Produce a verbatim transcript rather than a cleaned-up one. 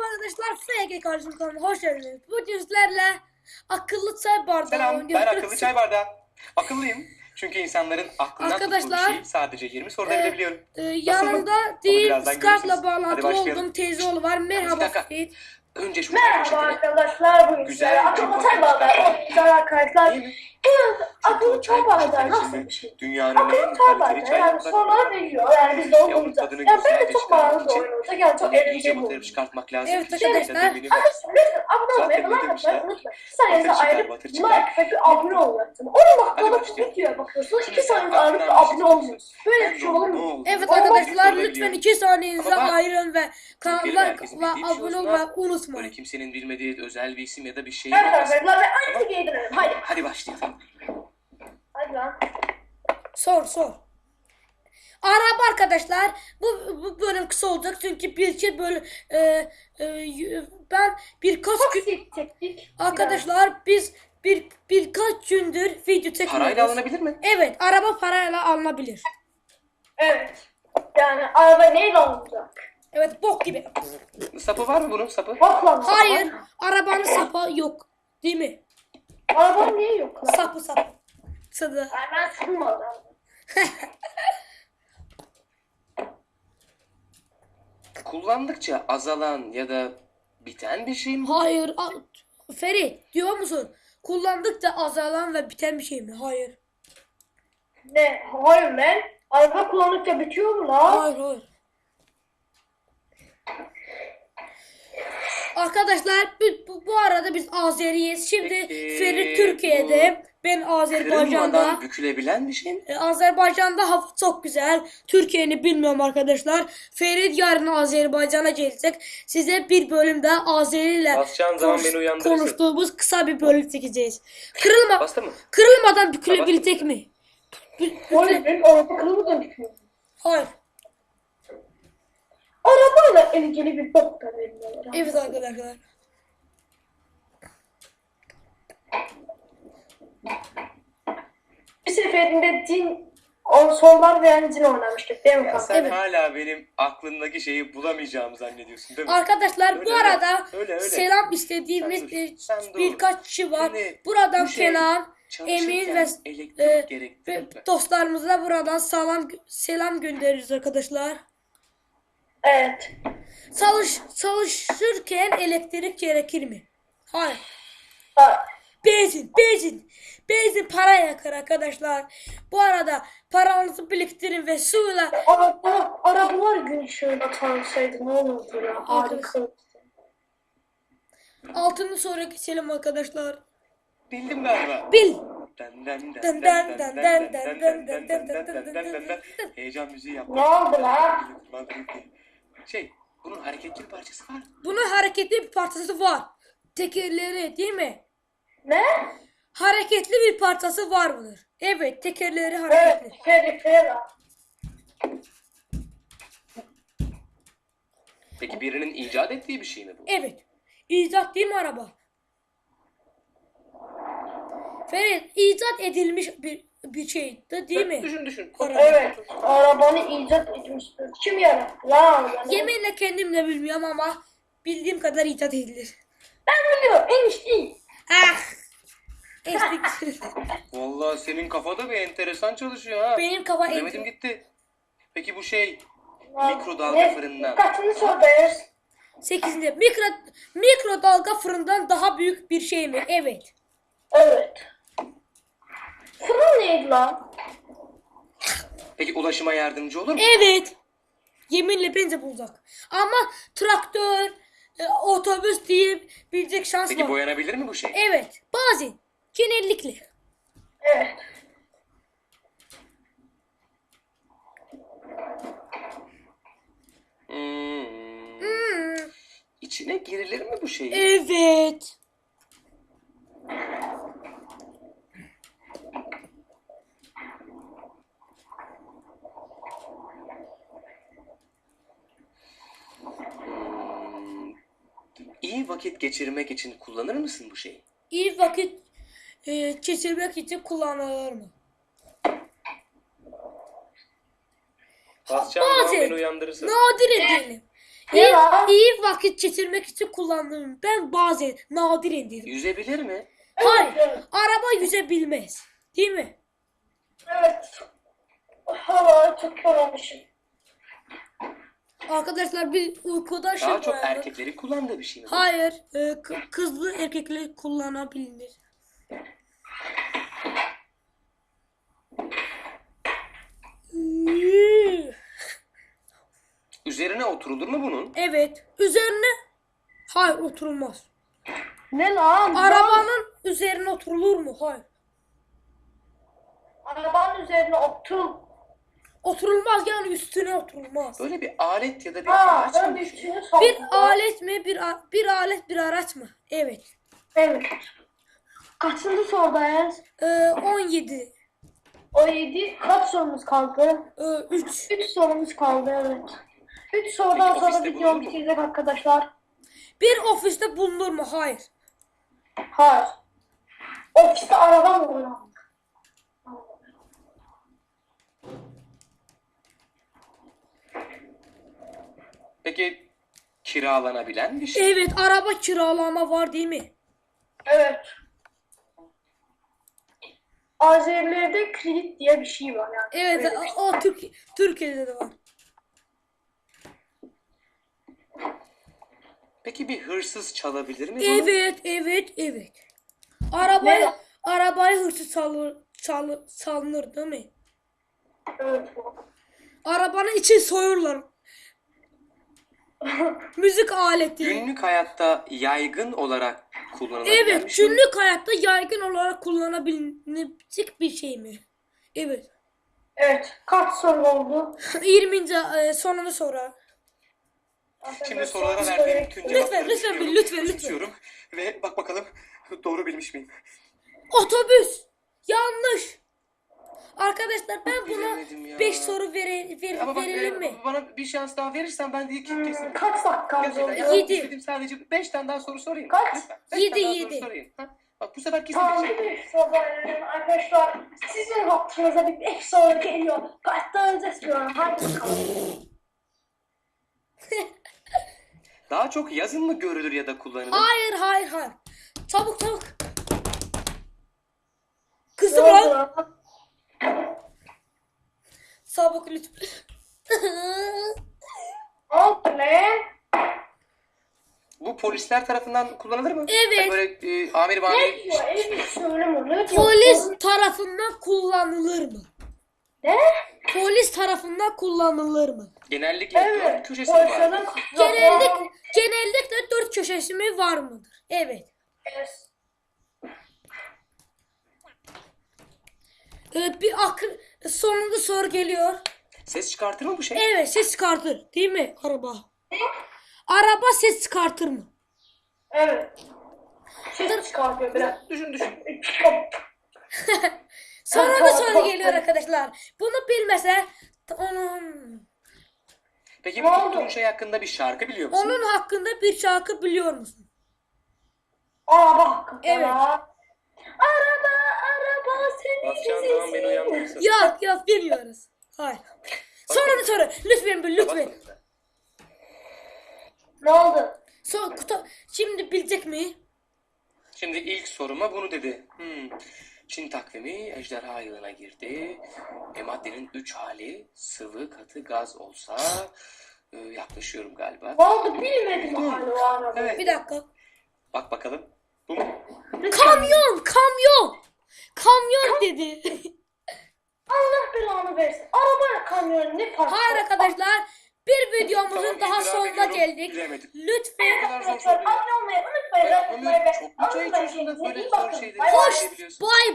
Merhaba arkadaşlar, F G kardeşim kanalıma hoş geldiniz. Bugün sizlerle akıllı çay bardağı Selam, oynuyoruz. ben akıllı çay bardağı. Akıllıyım. Çünkü insanların aklından Arkadaşlar, tuttuğu bir şeyi sadece yirmi soruda e, bilebiliyorum. e, yanımda değil, birazdan Skype'la görürsünüz. bağlantılı Hadi başlayalım. olduğum teyzeoğlu var. Bir Merhaba dakika. Seyit. Önce şu Merhaba poşetini. arkadaşlar, bugün Güzel güzel bir akıllı poşet çay bardağı çıkartalım. oynayacağız arkadaşlar. Değil mi? Bu akıllı o çay çay bardağı poşetleri nasıl şimdi bir şey? Dünyanın Akıllı en çay kaliteli bardağı çay yani bardağı. soruları veriyor, yani biz de Ve onun oynayacağız. tadını Ya ben de güzelce çok çıkarmak bağlı için oynayacak, yani çok tabii iyice eğlenceli batırıp olur. çıkartmak lazım. Evet ki şey arkadaşlar. eminim var. Arkadaşlar lütfen abone olmayı, Zaten like demişler. atmayı unutmayın. Bir saniyenizi Batır çıkar, ayırıp batır çıkar. like ve bir abone olacaksınız. on dakikada bir başlayalım. videoya bakıyorsunuz, Şimdi iki sen saniyenizi ayırıp aklından da bir şey abone olmuyorsunuz. Böyle Ben bir de şey olur ne mu? oldu? Evet Olmaz, arkadaşlar, soruları lütfen biliyorum. iki saniyenizi Ama bak, ayırın ve Benim kanala herkesin ve bildiği bir şey abone olsun olmayı ha. Böyle unutmayın. kimsenin bilmediği özel bir isim ya da bir şey Evet olmasın. arkadaşlar, ve aynı giydirelim. Hadi. Hadi başlayalım. Hadi lan. Sor sor. Araba arkadaşlar, bu, bu bölüm kısa olacak çünkü bir iki bölüm e, e, y- ben birkaç gün Toksik teknik. arkadaşlar biz bir birkaç gündür video çekiyoruz. Parayla alınabilir mi? Evet, araba parayla alınabilir. Evet. Yani araba neyle alınacak? Evet, bok gibi. Sapı var mı bunun sapı? Bak lan. Hayır, arabanın sapı yok. Değil mi? Araba niye yok lan? Sapı sapı. Sadı. Yani ben sıkılmadım. Kullandıkça azalan ya da biten bir şey mi? Hayır. a- Ferit, diyor musun? Kullandıkça azalan ve biten bir şey mi? Hayır. Ne? Hayır lan. Araba kullandıkça bitiyor mu lan? Hayır, hayır. Arkadaşlar bu, bu, bu arada biz Azeriyiz. Şimdi Peki, Ferit Türkiye'de, ben Azerbaycan'da. Kırılmadan bükülebilen bir şey mi? Ee, Azerbaycan'da hava çok güzel. Türkiye'ni bilmiyorum arkadaşlar. Ferit yarın Azerbaycan'a gelecek. Size bir bölümde Azeri ile Basacağın zaman konuş- beni uyandırırsın. konuştuğumuz kısa bir bölüm çekeceğiz. Kırılma, Bastı mı? kırılmadan bükülebilecek mi? Bü- Hayır büküle- benim araba kırılmadan bitiyor. Hayır. Arabayla ilgili bir bok da vermiyorlar. Evet arkadaşlar. Bir seferinde cin on sorular veren cin oynamıştık değil mi Ya kanka? sen Evet. hala benim aklımdaki şeyi bulamayacağımı zannediyorsun değil mi? Arkadaşlar Öyle, bu öyle. arada Öyle, öyle. selam istediğimiz Sen dur, e, sen dur. birkaç kişi var. Şimdi Buradan bu şey Kenan, çalışırken Emin ve elektrik e, gerektirir ve mi? dostlarımıza buradan selam selam gönderiyoruz arkadaşlar. Evet. Çalış çalışırken elektrik gerekir mi? Hayır. Ha, Benzin, benzin. Benzin para yakar arkadaşlar. Bu arada paranızı biriktirin ve suyla araba, arabalar gün ışığında tanışsaydı ne olurdu ya? Harika. altını sonra geçelim arkadaşlar. Bildim galiba. Bil. Den den den Den den den den den den den den den den den den den den den den den den den den. den. Heyecan müziği yaptım. Ne oldu lan? Şey, bunun hareketli bir parçası var. Bunun hareketli bir parçası var. Tekerleri değil mi? Ne? Hareketli bir parçası var mıdır? Evet, tekerleri hareketli. Evet. Perifera. Peki birinin icat ettiği bir şey mi bu? Evet. İcat değil mi araba? Ferit, icat edilmiş bir bir şey de değil mi? Düşün düşün. Araba. Evet. Arabanı icat etmiştir. Kim yarattı lan arabanı? Yeminle kendim de bilmiyorum ama bildiğim kadar icat edilir. Ben biliyorum. Enişte. Ah! Estik. Vallahi senin kafada bir enteresan çalışıyor ha. Benim kafa Bilemedim enti. gitti. Peki bu şey Lan, mikrodalga ne? fırından. Kaçıncı sorudayız? Sekizinde mikro mikrodalga fırından daha büyük bir şey mi? Evet. Evet. Fırın neydi lan? Peki ulaşıma yardımcı olur mu? Evet. Yeminle bence bulacak. Ama traktör, e, otobüs diyebilecek şans Peki var. boyanabilir mi bu şey? Evet. Bazen. Genellikle. Evet. Hmm. Hmm. İçine girilir mi bu şey? Evet. Hmm. İyi vakit geçirmek için kullanır mısın bu şeyi? İyi vakit e, geçirmek için kullanılır mı? Basacağım zaman Bazen. beni uyandırırsın. Nadir diyelim. İyi, Ya. iyi vakit geçirmek için kullandım. Ben bazen nadiren dedim. Yüzebilir mi? Hayır. Evet. Araba yüzebilmez. Değil mi? Evet. Hava çok yorulmuşum. Arkadaşlar bir uykuda şey Daha çok uyandım. erkekleri kullandığı bir şey mi? bu? Hayır. e, kı- kızlı erkekli kullanabilir. Üzerine oturulur mu bunun? Evet. Üzerine hayır oturulmaz. Ne lan? Arabanın üzerine oturulur mu? Hayır. Arabanın üzerine otur. Oturulmaz yani üstüne oturulmaz. Böyle bir alet ya da bir Ha, araç mı ben düşün? üçünü Bir sordum. alet mi? Bir a- bir alet bir araç mı? Evet. Evet. Kaçıncı sorudayız? Ee, on yedi. O yedi. Kaç sorumuz kaldı? Ee, üç. Üç sorumuz kaldı, evet. Üç sorudan Peki, sonra ofiste video bulunur mu? bitecek arkadaşlar. Bir ofiste bulunur mu? Hayır. Hayır. Ofiste araba mı olur? Peki kiralanabilen bir şey. Evet, araba kiralama var değil mi? Evet. Azerilerde kredi diye bir şey var yani. Evet, Öyle bir şey. o, o Türk Türkiye'de de var. Peki bir hırsız çalabilir mi bunu? Evet, evet, evet. Arabayı Ne? arabayı hırsız çalır, çalır, çalınır değil mi? Evet. Arabanın içi soyurlar. Müzik aleti. Günlük hayatta yaygın olarak kullanılabilen Evet, bir şey mi? günlük hayatta yaygın olarak kullanabilecek bir şey mi? Evet. Evet. Kaç soru oldu? yirminci e, sonunu sorar. Şimdi sorulara Son verdiğim soruya- tüm Lütfen, cevapları lütfen düşünüyorum, bil, lütfen, lütfen. küçümsüyorum ve bak bakalım doğru bilmiş miyim? Otobüs. Yanlış. Arkadaşlar ben buna Bilemedim ya. beş soru vere, ver, Ama bak verelim e, mi? bana bir şans daha verirsen ben de ilk Hmm, kesin. kaç dakika Gerçekten oldu? ya, Yedi. istedim sadece beş tane daha soru sorayım. Kaç? Lütfen. Beş Yedi, tane daha yedi. soru sorayım. Ha? Bak bu sefer kesin Tamam, bilecek. bir soru verelim arkadaşlar. Sizin hakkınıza bir beş soru geliyor. Kaçtan istiyorum? Hadi bakalım. Daha çok yazın mı görülür ya da kullanılır? Hayır, hayır, hayır. Çabuk, çabuk. Ne Kızım oldu lan. lan? Çabuk lütfen. Ne oldu lan? Bu polisler tarafından kullanılır mı? Evet. Yani böyle e, amir Ne amir diyor? Evet, söyleme. Ne diyor? Polis tarafından kullanılır mı? Ne? Polis tarafından kullanılır mı? genellikle Evet. dört köşesi var. Polislerin Genellik, genellikle dört köşesi mi var mıdır? Evet. Evet. Ee, bir akıl sonunda soru geliyor. Ses çıkartır mı bu şey? Evet, ses çıkartır. Değil mi araba? Araba ses çıkartır mı? Evet. Ses çıkartıyor biraz. Düşün düşün. Sonra da soru geliyor arkadaşlar. Bunu bilmese onun Peki Ne bu oldu? tuttuğun şey hakkında bir şarkı biliyor musun? onun hakkında bir şarkı biliyor musun? Araba hakkında. Evet. Araba, araba seni Basacağın zaman beni uyandırırsın. Yok, yok bilmiyoruz. Hayır. Sonra da soru. Lütfen bil, lütfen. Basmadın. Ne oldu? So, kutu, şimdi bilecek mi? Şimdi ilk soruma bunu dedi. Hmm. Çin takvimi ejderha yılına girdi. E, maddenin üç hali sıvı, katı, gaz olsa e, yaklaşıyorum galiba. Ne oldu bilmedim hala o araba. Evet. Bir dakika. Bak bakalım. Bu mu? Kamyon, kamyon. Kamyon dedi. Allah belanı versin. Araba kamyon ne fark Hayır var? arkadaşlar. Bir videomuzun Tamam, daha itiraf sonuna ediyorum, geldik. bilemedim. Lütfen kadar zor Arkadaşlar soru. abone olmayı unutmayın. Ya Like atmayı Ömür ve çok mu çay unutmayın. içiyorsun da böyle İyi zor bakın. şeyleri Bay bay. söyleyebiliyorsun? bay